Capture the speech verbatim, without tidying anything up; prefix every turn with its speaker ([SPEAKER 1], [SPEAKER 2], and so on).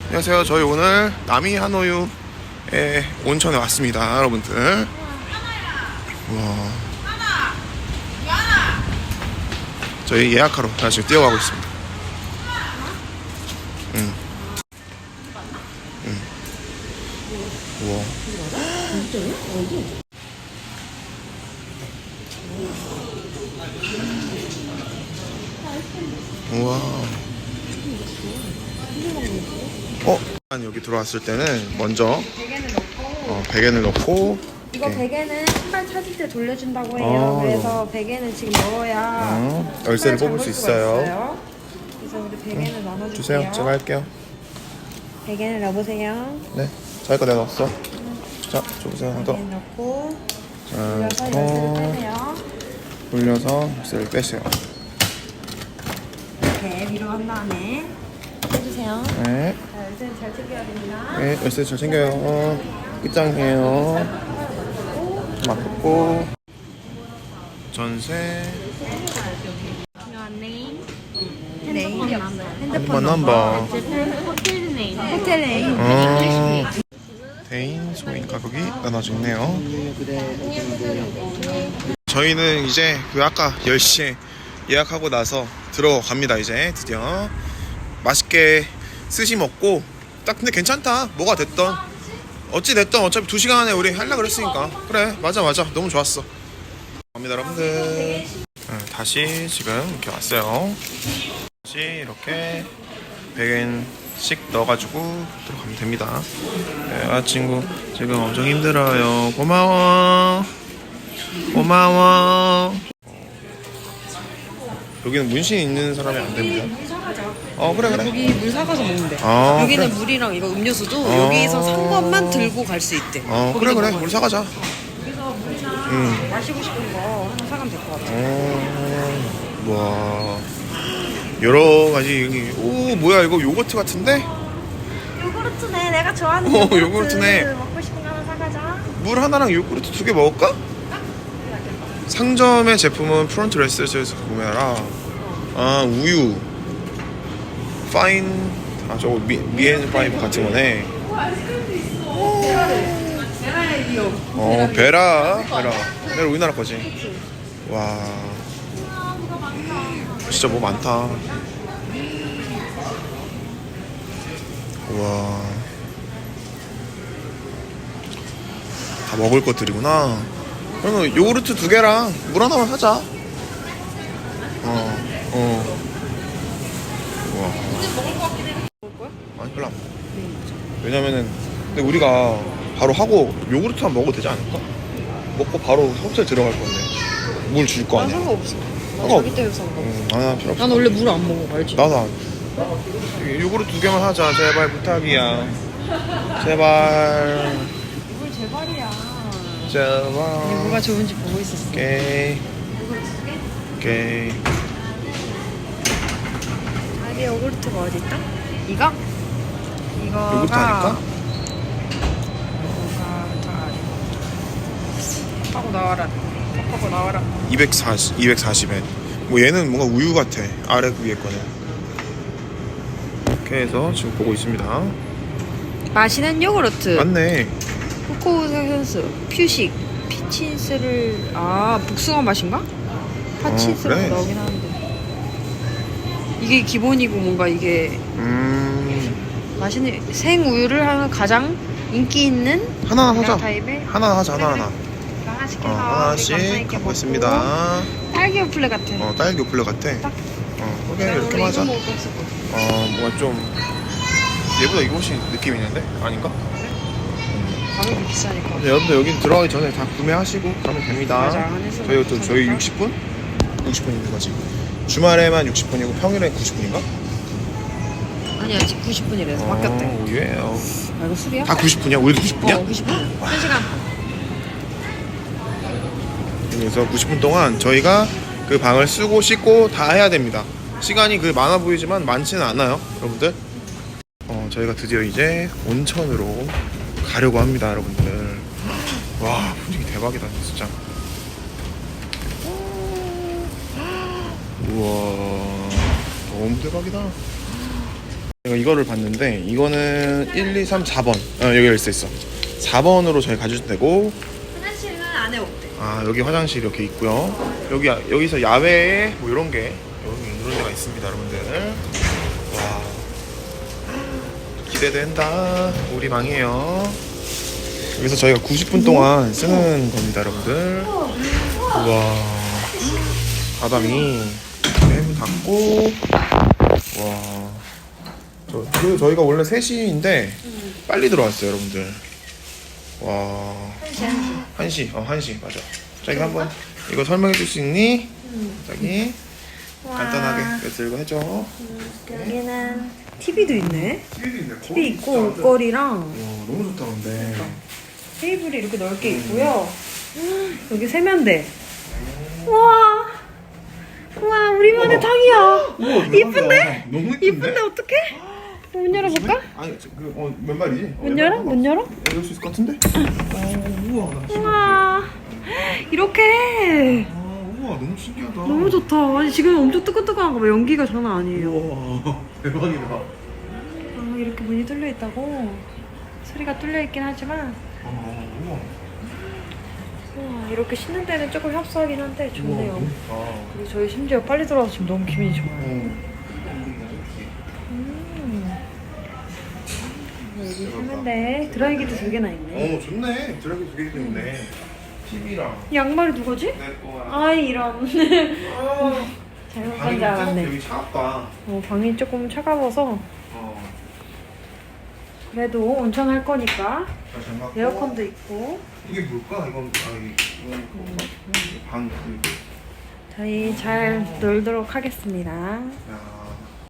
[SPEAKER 1] 안녕하세요. 저희 오늘 남이 하노유의 온천에 왔습니다, 여러분들. 우와. 저희 예약하러 지금 뛰어가고 있습니다. 응. 응. 우와. 우와. 어? 여기 들어왔을 때는 먼저
[SPEAKER 2] 베개는 넣고
[SPEAKER 1] 어, 베개를 넣고
[SPEAKER 2] 이거
[SPEAKER 1] 이렇게.
[SPEAKER 2] 베개는 신발 찾을 때 돌려준다고 해요.
[SPEAKER 1] 아,
[SPEAKER 2] 그래서 베개는 지금 넣어야
[SPEAKER 1] 어, 열쇠를 뽑을 수
[SPEAKER 2] 수가
[SPEAKER 1] 있어요.
[SPEAKER 2] 그래서 우리 베개는
[SPEAKER 1] 응.
[SPEAKER 2] 나눠줄게요.
[SPEAKER 1] 주세요. 제가 할게요.
[SPEAKER 2] 베개는 넣어보세요.
[SPEAKER 1] 네. 자기 거 내가 넣었어. 자, 줘보세요. 한 더.
[SPEAKER 2] 베개 넣고
[SPEAKER 1] 자,
[SPEAKER 2] 돌려서 열쇠를
[SPEAKER 1] 더
[SPEAKER 2] 빼세요.
[SPEAKER 1] 돌려서 열쇠를 빼세요.
[SPEAKER 2] 이렇게 위로 한 다음에 해주세요.
[SPEAKER 1] 네.
[SPEAKER 2] 자, 열쇠는 잘 챙겨야 됩니다.
[SPEAKER 1] 네, 열쇠 잘 챙겨요. 어, 끝장이에요. 맞고 전세
[SPEAKER 2] 네임,
[SPEAKER 1] 핸드폰 넘버
[SPEAKER 2] 호텔 네임, 호텔 네임.
[SPEAKER 1] 어, 대인 소인 가격이 나눠져 있네요. 저희는 이제 그 아까 열 시에 예약하고 나서 들어갑니다. 이제 드디어 맛있게 스시 먹고 딱 근데 괜찮다. 뭐가 됐던 어찌 됐든 어차피 두 시간 안에 우리 하려고 그랬으니까 그래 맞아 맞아 너무 좋았어. 갑니다 여러분들. 네, 다시 지금 이렇게 왔어요. 다시 이렇게 백엔씩 넣어가지고 들어가면 됩니다. 네, 아 친구 지금 엄청 힘들어요. 고마워 고마워. 여기는 문신 있는 사람이 안 됩니다. 어 그래 그래.
[SPEAKER 3] 여기 물 사가서 먹는데.
[SPEAKER 1] 아,
[SPEAKER 3] 여기는
[SPEAKER 1] 그래.
[SPEAKER 3] 물이랑 이거 음료수도
[SPEAKER 1] 아.
[SPEAKER 3] 여기서 산 것만 들고 갈 수 있대.
[SPEAKER 1] 어
[SPEAKER 3] 거기서
[SPEAKER 1] 그래 그래
[SPEAKER 3] 먹어야
[SPEAKER 1] 물
[SPEAKER 3] 돼.
[SPEAKER 1] 사가자.
[SPEAKER 3] 여기서 물이나
[SPEAKER 1] 응.
[SPEAKER 3] 마시고 싶은 거 하나 사가면 될 것 같아.
[SPEAKER 1] 어, 와 여러 가지 여기 오 뭐야 이거 요거트 같은데?
[SPEAKER 2] 요구르트네. 내가 좋아하는
[SPEAKER 1] 어,
[SPEAKER 2] 요구르트.
[SPEAKER 1] 요구르트네.
[SPEAKER 2] 먹고 싶은 거 하나 사가자.
[SPEAKER 1] 물 하나랑 요구르트 두 개 먹을까? 상점의 제품은 프론트 레스토랑에서 구매하라. 아 우유 파인 아 저거 미, 미엔 파이브 같은 거네. 어 베라 베라 베라 우리나라 거지. 와 진짜 뭐 많다. 와 다 먹을 것들이구나. 그러면 요구르트 두 개랑 물 하나만 사자. 어, 어. 와. 아니, 별로 안 먹어. 왜냐면은, 근데 우리가 바로 하고 요구르트만 먹어도 되지 않을까? 먹고 바로 호텔 들어갈 건데. 물 줄 거
[SPEAKER 3] 난
[SPEAKER 1] 아니야.
[SPEAKER 3] 상관없어. 난
[SPEAKER 1] 상관없-
[SPEAKER 3] 자기 때문에 상관없어.
[SPEAKER 1] 응, 아, 난 필요 없어.
[SPEAKER 3] 난 원래 물 안 먹어, 알지?
[SPEAKER 1] 나도 안. 요구르트 두 개만 하자. 제발 부탁이야. 제발.
[SPEAKER 3] 물 제발이야.
[SPEAKER 1] 제발.
[SPEAKER 3] 뭐가 좋은지 보고 있었어.
[SPEAKER 1] 오케이. 오케이.
[SPEAKER 2] 자기 요구르트가 어디 있다?
[SPEAKER 3] 이거?
[SPEAKER 2] 이거가
[SPEAKER 1] 요구르트 아닐까?
[SPEAKER 3] 하고 나와라. 하고 나와라.
[SPEAKER 1] 이백사십, 이백사십엔. 뭐 얘는 뭔가 우유 같아. 아래 그 위에 거는. 이렇게 해서 지금 보고 있습니다.
[SPEAKER 3] 마시는 요구르트.
[SPEAKER 1] 맞네.
[SPEAKER 3] 코코우센스 퓨식 피친스를 아 복숭아 맛인가? 파친스라고
[SPEAKER 1] 어, 그래.
[SPEAKER 3] 나오긴 하는데 이게 기본이고 뭔가 이게
[SPEAKER 1] 음.
[SPEAKER 3] 맛있는 생우유를 하는 가장 인기 있는
[SPEAKER 1] 하나 하자.
[SPEAKER 3] 타입의
[SPEAKER 1] 하나 하자, 하나 하나.
[SPEAKER 3] 이거 하나씩
[SPEAKER 1] 어,
[SPEAKER 3] 해서
[SPEAKER 1] 하나씩
[SPEAKER 3] 우리 감사있게
[SPEAKER 1] 갖고
[SPEAKER 3] 먹고.
[SPEAKER 1] 있습니다.
[SPEAKER 3] 딸기 요플레 같아.
[SPEAKER 1] 어, 딸기 오플레 같아.
[SPEAKER 3] 딱.
[SPEAKER 1] 어, 오케이,
[SPEAKER 3] 내가
[SPEAKER 1] 이렇게
[SPEAKER 3] 원래
[SPEAKER 1] 하자.
[SPEAKER 3] 이거 먹을 거 없을 거야.
[SPEAKER 1] 어, 뭔가 좀. 얘보다 이거 훨씬 느낌 있는데? 아닌가?
[SPEAKER 3] 가격이 비싸니까.
[SPEAKER 1] 네, 여러분들 여기 들어가기 전에 다 구매하시고 가면 됩니다.
[SPEAKER 3] 맞아, 안에서
[SPEAKER 1] 저희 또 저희
[SPEAKER 3] 비싸니까.
[SPEAKER 1] 육십 분? 육십 분 있는 거지. 주말에만 육십 분이고 평일에 구십 분인가?
[SPEAKER 3] 아니야 지금 구십 분이래서 바뀌었대.
[SPEAKER 1] 오, 예. 어.
[SPEAKER 3] 아 이거 술이야?
[SPEAKER 1] 다 구십 분이야? 우리도 구십 분이야?
[SPEAKER 3] 어 구십 분. 한 시간.
[SPEAKER 1] 그래서 구십 분 동안 저희가 그 방을 쓰고 씻고 다 해야 됩니다. 시간이 그 많아 보이지만 많지는 않아요, 여러분들. 어, 저희가 드디어 이제 온천으로 가려고 합니다, 여러분들. 와, 분위기 대박이다, 진짜. 우와, 너무 대박이다. 제가 이거를 봤는데 이거는 일, 이, 삼, 사 번 어, 여기 열쇠 있어. 사 번으로 저희 가주셔도 되고.
[SPEAKER 2] 화장실은 안에 없대.
[SPEAKER 1] 아 여기 화장실 이렇게 있고요. 여기 여기서 야외에 뭐 이런 게 여기 이런 데가 있습니다, 여러분들. 와 기대된다. 우리 방이에요. 여기서 저희가 구십 분 동안 쓰는 겁니다, 여러분들. 우와 바닥이 문 닫고. 와 저, 그리고 저희가 원래 세 시인데 빨리 들어왔어요, 여러분들. 와 한 시, 어, 한 시, 맞아. 자기 한번 이거 설명해 줄 수 있니? 자기 간단하게 이거 들고 해줘.
[SPEAKER 2] 여기는
[SPEAKER 3] 티비도 있네.
[SPEAKER 1] 티비도 있네.
[SPEAKER 3] 티비 있고 옷걸이랑
[SPEAKER 1] 와, 너무 좋다, 근데.
[SPEAKER 3] 테이블이 이렇게 넓게 있고요. 여기 세면대. 우와. 우와, 우리만의 탕이야.
[SPEAKER 1] 우와,
[SPEAKER 3] 이쁜데?
[SPEAKER 1] 너무 이쁜데?
[SPEAKER 3] 이쁜데 어떡해? 문 열어볼까?
[SPEAKER 1] 아니, 저, 그, 어, 몇 말이지?
[SPEAKER 3] 문 열어? 문 열어?
[SPEAKER 1] 열릴 수 있을 것 같은데? 어, 우와, 나 진짜.
[SPEAKER 3] 우와. 이렇게.
[SPEAKER 1] 아, 우와, 너무 신기하다.
[SPEAKER 3] 너무 좋다. 아니, 지금 엄청 뜨끈뜨끈한 거 봐. 연기가 장난 아니에요.
[SPEAKER 1] 우와, 대박이다.
[SPEAKER 3] 아, 이렇게 문이 뚫려 있다고? 소리가 뚫려 있긴 하지만.
[SPEAKER 1] 어, 우와.
[SPEAKER 3] 우와, 이렇게 쉬는 데는 조금 협소하긴 한데 좋네요.
[SPEAKER 1] 우와, 너무 좋다.
[SPEAKER 3] 그리고 저희 심지어 빨리 들어와서 지금 너무 기분이 좋아요.
[SPEAKER 1] 어.
[SPEAKER 3] 음. 여기 세면대 드라이기도 두 개나 있네.
[SPEAKER 1] 어, 좋네. 드라이브 두 개도 있네. 티비랑.
[SPEAKER 3] 양말이 누구지?
[SPEAKER 1] 내 거야.
[SPEAKER 3] 아이 이런.
[SPEAKER 1] 아.
[SPEAKER 3] 잘못
[SPEAKER 1] 방이
[SPEAKER 3] 본줄 알았네.
[SPEAKER 1] 여기 차갑다.
[SPEAKER 3] 어, 방이 조금 차가워서
[SPEAKER 1] 어.
[SPEAKER 3] 그래도 온천 할 거니까
[SPEAKER 1] 자, 잘 맞고.
[SPEAKER 3] 에어컨도 있고.
[SPEAKER 1] 이게 뭘까? 이건 아 이- 이건 뭔가? 방 그.
[SPEAKER 3] 저희 잘 놀도록 하겠습니다.
[SPEAKER 1] 야.